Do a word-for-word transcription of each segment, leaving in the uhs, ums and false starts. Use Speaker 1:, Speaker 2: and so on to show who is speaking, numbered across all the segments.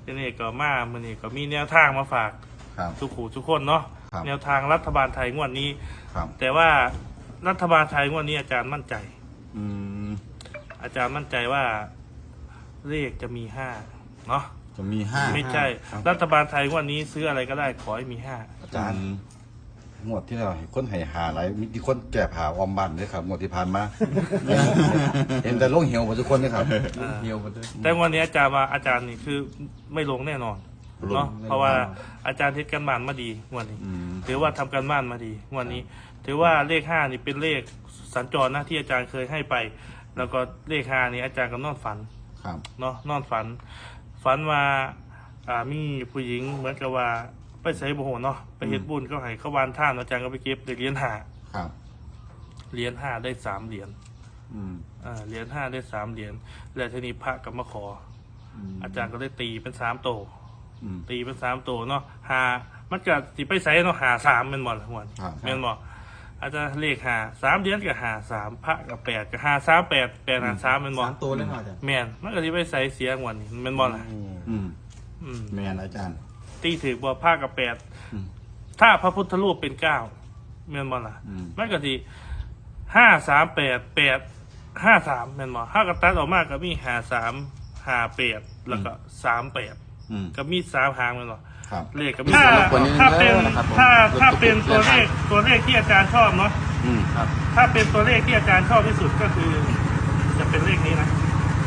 Speaker 1: ทีนี้ก็มามื่อนี้ก็มีแนวทางมาฝากทุกขู่ทุกคนเนาะแนวทางรัฐบาลไทยงวดนี้แต่ว่ารัฐบาลไทยงวดนี้อาจารย์มั่นใจอาจารย์มั่นใจว่าเลขจะมีห้าเนาะ
Speaker 2: จะมีห้า
Speaker 1: ไม่ใช่รัฐบาลไทยงวดนี้ซื้ออะไรก็ได้ขอให้มีห้า
Speaker 2: อาจารย์งวดที่เราเห็นคนให้หาอะไรมีคนแก่ผ่าออมบันด้วยครับงวดที่ผ่านมาเห็นแต่ลงเหี่ยวหมดทุกคนเลยครับ
Speaker 1: เหี่ยวหมดเลยแต่วันนี้อาจารย์ว่าอาจารย์นี่คือไม่ลงแน่นอนเนาะเพราะว่าอาจารย์เทศกันบ้านมาดีงวดนี้ถือว่าทำกันบ้านมาดีงวดนี้ถือว่าเลขห้านี่เป็นเลขสัญจรนะที่อาจารย์เคยให้ไปแล้วก็เลขห้านี่อาจารย์ก็นอนฝันเนาะนอนฝันฝันว่าอ่ามีผู้หญิงเหมือนกับว่าไปใส่โบโหเนาะไปเฮ็ดบุญก็ให้เขาวานท่านอาจารย์ก็ไปเก็บเหรียญห้าเหรียญห้าได้สามเหรียญอ่าเหรียญห้าได้สามเหรียญแล้วทีนี้พระก็มาขออาจารย์ก็ได้ตีเป็นสามโตตีเป็นสามโตเนาะหามันก็สิไปใส่เนาะหาสามเป็นหมดละหัวเป็นหมดอาจารย์เลขหาสามเหรียญกับหาสามพระกับแปดกับหาสามแปดแปดหาสามเป็นหมด
Speaker 3: สามตัวเลยเหรออาจารย์
Speaker 1: แมนมันก็สิไปใส่เสียงวันนี้เป็นหมดละ
Speaker 2: แมนอาจารย์
Speaker 1: ตีถือบ่ผ้ากับแปดถ้าพระพุทธรูปเป็นเก้าเมียนบอลล่ะมันก็ทีห้าสามแปดแปดห้าสามเมียนบอลห้ากระตัดออกมากก็มีหาสามหาแปดแล้วก็สามแปดก็มีสามหางเมียนบอลเลขก็มีถ้าถ้าเป็นถ้าถ้าเป็นตัวเลขตัวเลขที่อาจารย์ชอบเนาะถ้าเป็นตัวเลขที่อาจารย์ชอบที่สุดก็คือจะเป็นเลขนี้นะ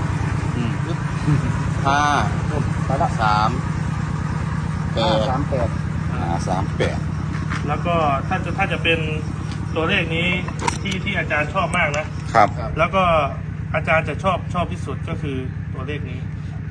Speaker 2: ห้าสามแปด
Speaker 3: สามแปด
Speaker 2: สามแปด
Speaker 1: แล้วก็ถ้าจะถ้าจะเป็นตัวเลขนี้ที่ที่อาจารย์ชอบมากนะครับแล้วก็อาจารย์จะชอบชอบที่สุดก็คือตัวเลขนี้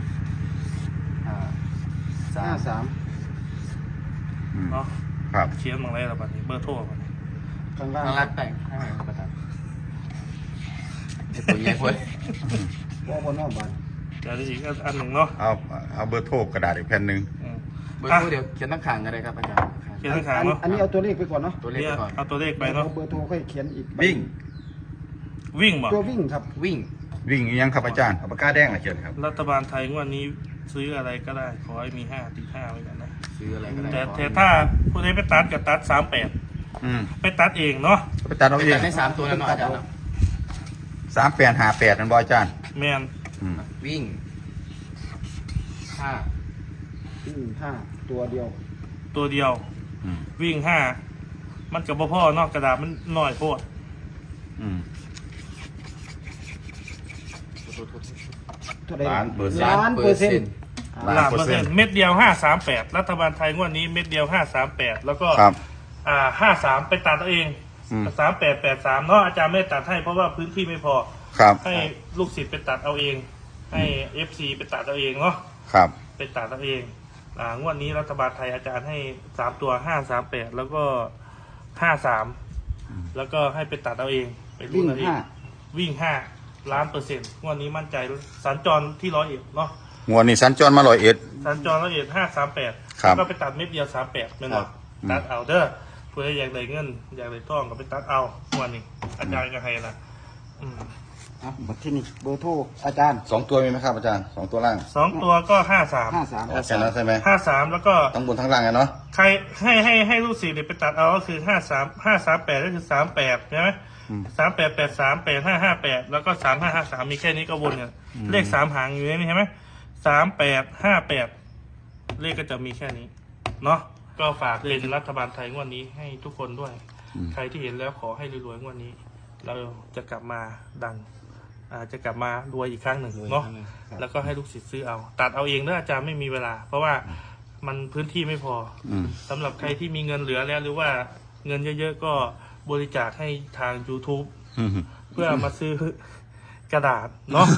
Speaker 3: ห้าสาม
Speaker 1: เนาะ
Speaker 2: ครับ
Speaker 1: เขียนมาอะไรละบัดนี้เบอร์โทรบัดนี้
Speaker 3: ข้างล่างข้างล่างแต่งข้างล่างประทับไอ้ตัวใหญ่เว้ยว่าบนนอกบ้าน
Speaker 1: เดี๋ยวอีกอันหนึ่งเนาะ
Speaker 2: เอาเอาเบอร์โทรกระดาษอีกแผ่นหนึ่ง
Speaker 3: เบอร์โทรเดี๋ยวเขียนตั้งขางกันเลยครับอาจารย์
Speaker 1: เขียนตั้งขางเนาะ
Speaker 3: อันนี้เอาตัวเลขไปก่อนเนาะ
Speaker 1: ตัวเลขไปก่อนเอาตัวเลขไปเนาะ
Speaker 3: เบอร์โทรค่อยเขียนอีก
Speaker 2: วิ่ง
Speaker 1: วิ่งบ่
Speaker 3: ตัววิ่งครับ
Speaker 2: วิ่งวิ่งยังครับอาจารย์เอาปากกาแดงมาเขียนครับ
Speaker 1: รัฐบาลไทยวันนี้ซื้ออะไรก็ได้ขอให้มีห้าติดห้าไว้กันนะ
Speaker 3: ซื้ออะไรก็ได้
Speaker 1: แต่แต่ถ้าผู้ใดไปตัดกับตัดสามแปดไปตัดเองเนาะ
Speaker 2: ไปตัดเอาเอง
Speaker 3: ได้สามตัวแล้วเนาะอาจารย์
Speaker 2: สามแปดหาแปดนั่นบออาจารย์
Speaker 1: แมน
Speaker 3: วิ่งห้าวิ่งห้าตัวเดียว
Speaker 1: ตัวเดียววิ่งห้ามันกับพ่อนอกกระดาษมันหน่อยโพด
Speaker 2: ล้านเปอร์เซ็นต์
Speaker 3: ล้านเปอร์เซ็นต์
Speaker 1: ล้านเปอร์เซ็นต์เม็ดเดียวห้าสามแปดรัฐบาลไทยงวดนี้เม็ดเดียวห้าสามแปดแล้วก็อ่าห้าสามไปตัดตัวเองสามแปดแปดสามเนาะอาจารย์ไม่ตัดให้เพราะว่าพื้นที่ไม่พอให้ลูกศิษย์ไปตัดเอาเองให้เอฟซีไปตัดเอาเองเนาะไปตัดเอาเองอ่างวดนี้รัฐบาลไทยอาจารย์ให้สามตัวห้าสามแปดแล้วก็ห้าสามแล้วก็ให้ไปตัดเอาเองไปรุ่นเอาเองวิ่งห้าล้านเปอร์เซ็นต์งวดนี้มั่นใจสัญจรที่ร้อยเอ็ดเนาะ
Speaker 2: งวดนี้สัญจรมาร้อยเอ็ด
Speaker 1: สัญจรร้อยเอ็ดห้าสามแปดแล้วก็ไปตัดเม็ดเดียวสามแปดไม่หมดตัดเอาเด้อเพื่ออยากได้เงินอยากได้ทองก็ไปตัดเอางวดนี้อาจารย์ก็ให้นะอืม
Speaker 3: อ่ะบัตรที่นี่เบอร์โทรอาจารย์
Speaker 2: สองตัวมีไหมครับอาจารย์สองตัวล่าง
Speaker 1: สองตัวก็ห้าสาม
Speaker 3: ห้าสาม
Speaker 2: แค่นั้นใช่ไหม
Speaker 1: ห้าสามแล้วก็
Speaker 2: ทั้งบนทั้งล่างไงเนาะ
Speaker 1: ใครให้ให้ให้ลูกศิษย์ไปตัดเอาก็คือห้าสามห้าสามแปดก็คือสามแปดใช่ไหมสามแปดแปดสามแปดห้าห้าแปดแล้วก็สามห้าห้าสามมีแค่นี้ก็วนเนี่ยเลขสามหางอยู่นี่ใช่ไหมสามแปดห้าแปดเลขก็จะมีแค่นี้เนาะก็ฝากเป็นรัฐบาลไทยงวดนี้ให้ทุกคนด้วยใครที่เห็นแล้วขอให้รวยๆงวดนี้เราจะกลับมาดังอาจะกลับมารวยอีกครั้งหนึ่งเนาะแล้วก็ให้ลูกศิษย์ซื้อเอาตัดเอาเองเนอะอาจารย์ไม่มีเวลาเพราะว่ามันพื้นที่ไม่พอสำหรับใครที่มีเงินเหลือแล้วหรือว่าเงินเยอะๆก็บริจาคให้ทาง YouTube เพื่อมาซื้อกระดาษเนาะ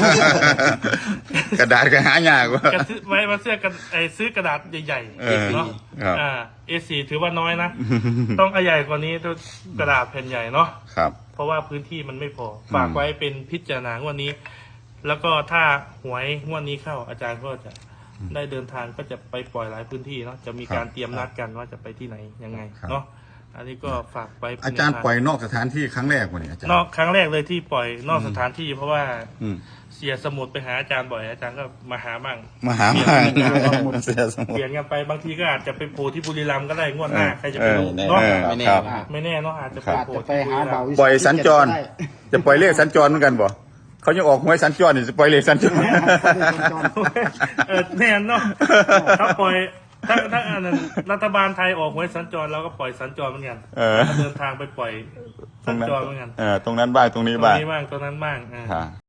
Speaker 2: กระดาษก็หายากว่า
Speaker 1: ไว้มาเสื้อกันไอซื้อกระดาษใหญ่ๆเนาะอ่า เอ สี่ ถือว่าน้อยนะต้องใหญ่กว่านี้ต้องกระดาษแผ่นใหญ่เนาะ
Speaker 2: ครับ
Speaker 1: เพราะว่าพื้นที่มันไม่พอฝากไว้เป็นพิจารณางวดนี้แล้วก็ถ้าหวยงวดนี้เข้าอาจารย์ก็จะได้เดินทางก็จะไปปล่อยหลายพื้นที่เนาะจะมีการเตรียมนัดกันว่าจะไปที่ไหนยังไงเนาะอันนี้ก็ฝากไป
Speaker 2: อาจารย์ปล่อยนอกสถานที่ครั้งแรกวันนี้อาจารย์
Speaker 1: นอกครั้งแรกเลยที่ปล่อยนอกสถานที่ เพราะว่า
Speaker 2: อืม
Speaker 1: เสียสมุดไปหาอาจารย์บ่อยอาจารย์ก็มาหามั่ง
Speaker 2: มาหามาเสียสมุ
Speaker 1: เป
Speaker 2: ด
Speaker 1: ลี่ยนกันไปบางทีก็อาจจะไปโผล่ที่บุรีรัมย์ก็ได้งวดหน้า
Speaker 2: เออ
Speaker 1: ใครจะไปรู้
Speaker 2: เออ
Speaker 1: เนาะ
Speaker 2: เออ
Speaker 3: ไม่แน่
Speaker 2: ครับ
Speaker 3: ว่า
Speaker 1: ไม่แน่เนาะอาจจะไป
Speaker 4: อาจ
Speaker 1: โผล่
Speaker 4: จะไป
Speaker 1: ที่บุ
Speaker 4: หา
Speaker 1: รี
Speaker 4: เบา
Speaker 1: รัมย์
Speaker 2: ปล่อยสัญจร
Speaker 4: ได้
Speaker 2: จะปล่อยเลขสัญจรเหมือนกันบ่เขายังออกหวยสัญจรนี่จะปล่อยเลขสัญจร
Speaker 1: เออแน่เนาะถ้าปล่อยถ้าถ้าอันนั้นรัฐบาลไทยออกหวยสัญจรเราก็ปล่อยสัญจรเหมือนกัน
Speaker 2: เออ
Speaker 1: เดินทางไปปล่อยสัญจรเหมือนกัน
Speaker 2: เออตรงนั้นบ้างตรงนี้
Speaker 1: ตรง
Speaker 2: บ้าง
Speaker 1: นี้บ้างตรงนั้นบ้างอ่า
Speaker 2: ครับ